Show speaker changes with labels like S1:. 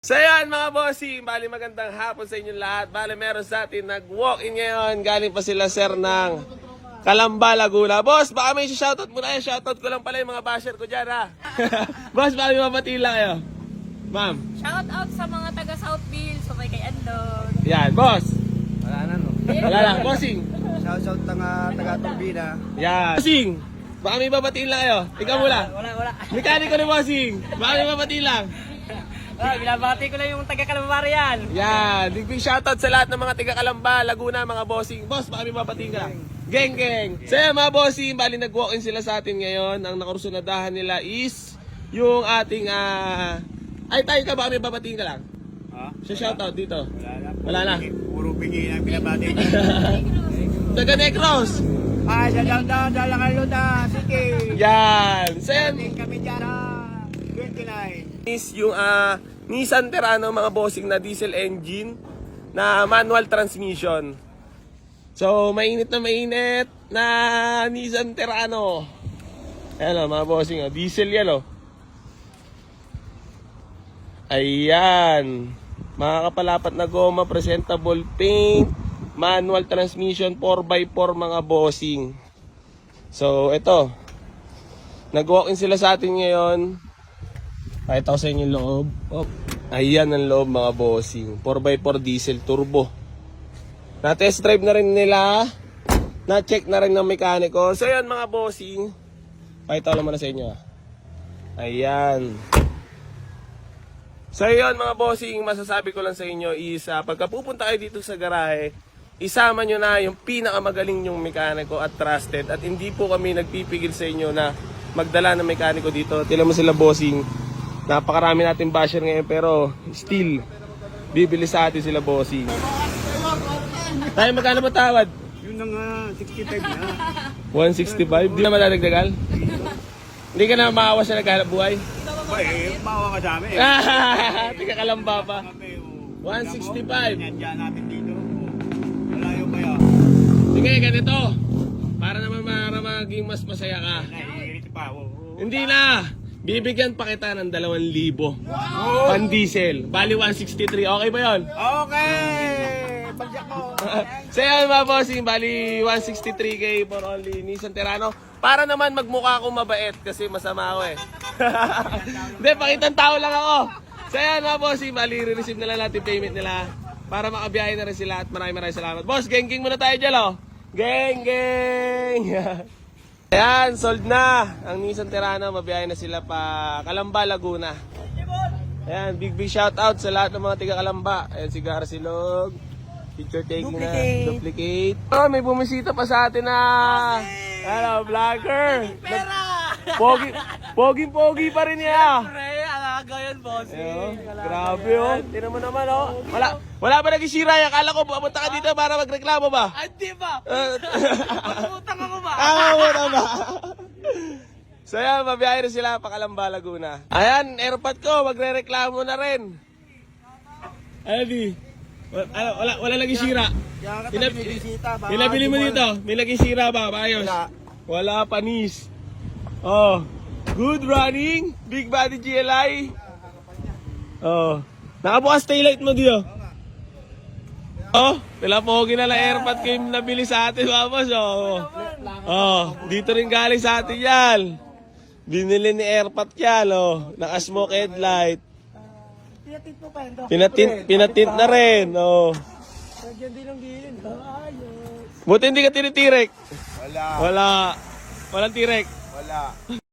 S1: So yan mga bossing, bali magandang hapon sa inyong lahat. Bali meron sa atin nag-walk-in ngayon. Galing pa sila sir ng Calamba, Laguna. Boss, baka may shoutout muna kayo. Shoutout ko lang pala yung mga basher ko dyan ha. Boss, baka may mabatiin lang kayo. Ma'am.
S2: Shout out sa mga taga Southville, sa may kay Andon.
S1: Yan, boss.
S3: Wala na, no?
S1: Wala lang, bossing.
S3: Shout taga-Turbina.
S1: Yan. Bossing, baka may babatiin lang kayo. Ikaw mula.
S2: Wala.
S1: Mekaniko ni bossing. Baka may babatiin lang.
S2: Binabati ko lang yung taga Calamba yan.
S1: Yan, big shoutout sa lahat ng mga taga Calamba, Laguna, mga bossing. Boss, baka may babatiin ka lang. Geng. So yan mga bossing, bali nag-walk-in sila sa atin ngayon. Ang nakursunadahan nila is yung ating ay tayo ka, baka may babatiin ka lang.
S3: Ha?
S1: So shoutout dito.
S3: Wala na. Puro bingi ang binabati.
S1: Taga Negros.
S3: Ay, dalang Luta City.
S1: Yan. So yan,
S3: Kami dyan, 29.
S1: is yung Nissan Terrano mga bossing na diesel engine na manual transmission. So mainit na Nissan Terrano. Ayan o mga bossing, diesel yan o. Ayan, mga kapalapat na goma, presentable paint, manual transmission, 4x4 mga bossing. So ito, nag-walk-in sila sa atin ngayon. Pakita ko sa inyo yung loob. Oh. Ayan ang loob mga bossing. 4x4 diesel turbo. Na-test drive na rin nila. Na-check na rin ng mekaniko. So ayan mga bossing. Pakita ko naman na sa inyo. Ayan. So ayan mga bossing, masasabi ko lang sa inyo is pagka pupunta kayo dito sa garahe, isama nyo na yung pinakamagaling yung mekaniko at trusted. At hindi po kami nagpipigil sa inyo na magdala ng mekaniko dito. Tila mo sila bossing. Napakarami natin basher ngayon pero still bibili sa atin sila bossing. Tayo magkano ba tawad?
S3: Yun na nga, 65 na.
S1: 165? Di na madadagdagal? Hindi ka na maawa sa naghanap buhay?
S3: Ay, mawa ka sa amin.
S1: Tika Calamba pa. 165.
S3: Nandiyan natin dito. Malayo pa yan.
S1: Sige, ganito. Para naman maging mas masaya ka.
S3: Naiirit pa.
S1: Hindi na. Bibigyan pa kita ng 2,000. Pan diesel. Bali 163. Okay ba yun?
S3: Okay! Pagyak mo.
S1: So yan mga bossing, bali 163k for only Nissan Terrano. Para naman magmukha akong mabait kasi masama ako eh. Hindi, pakitang tao lang ako. So yan mga bossing, bali re-receive na lang natin payment nila para makabiyahe na rin sila at maraming salamat. Boss, geng muna tayo dyan oh. Geng! Ayan, sold na ang Nissan Terrano. Mabiyahe na sila pa Calamba, Laguna. Ayan, big shout out sa lahat ng mga tiga Calamba. Ayan si Garcilog. Picture taking duplicate. Oh, may bumisita pa sa atin na ano, vlogger.
S2: Pera!
S1: Pogi pa rin niya.
S2: Pre, alaga yun, boss.
S1: Grabe oh. Tingnan mo naman oh. Wala ba nagisira? Akala ko pumunta ka dito para magreklamo ba?
S2: Ay, di ba? Pagputang ako ba?
S1: Mo ba? So yan, mabiyahe na sila pa Calamba, Laguna. Ayan, airpot ko, magre-reklamo na rin. Di? Wala lagi sira. Pinabili mo dito, may lagi sira ba? Ayos. Wala panis. Oh, good running, big body GLI. Oh, nakabukas taillight mo dito. Oh, pilapogi na lang airpot ko yung nabili sa atin, babas. Oh, dito rin galing sa atin yan. Binili ni airpot yan, oh. Naka-smoke headlight.
S2: Pinatint mo pa yun, Dok.
S1: Pinatint na rin, oh.
S2: Nagyan din ang gilin. Ayos.
S1: Buti hindi ka tinitirek.
S3: Wala.
S1: Walang tirek.
S3: Wala.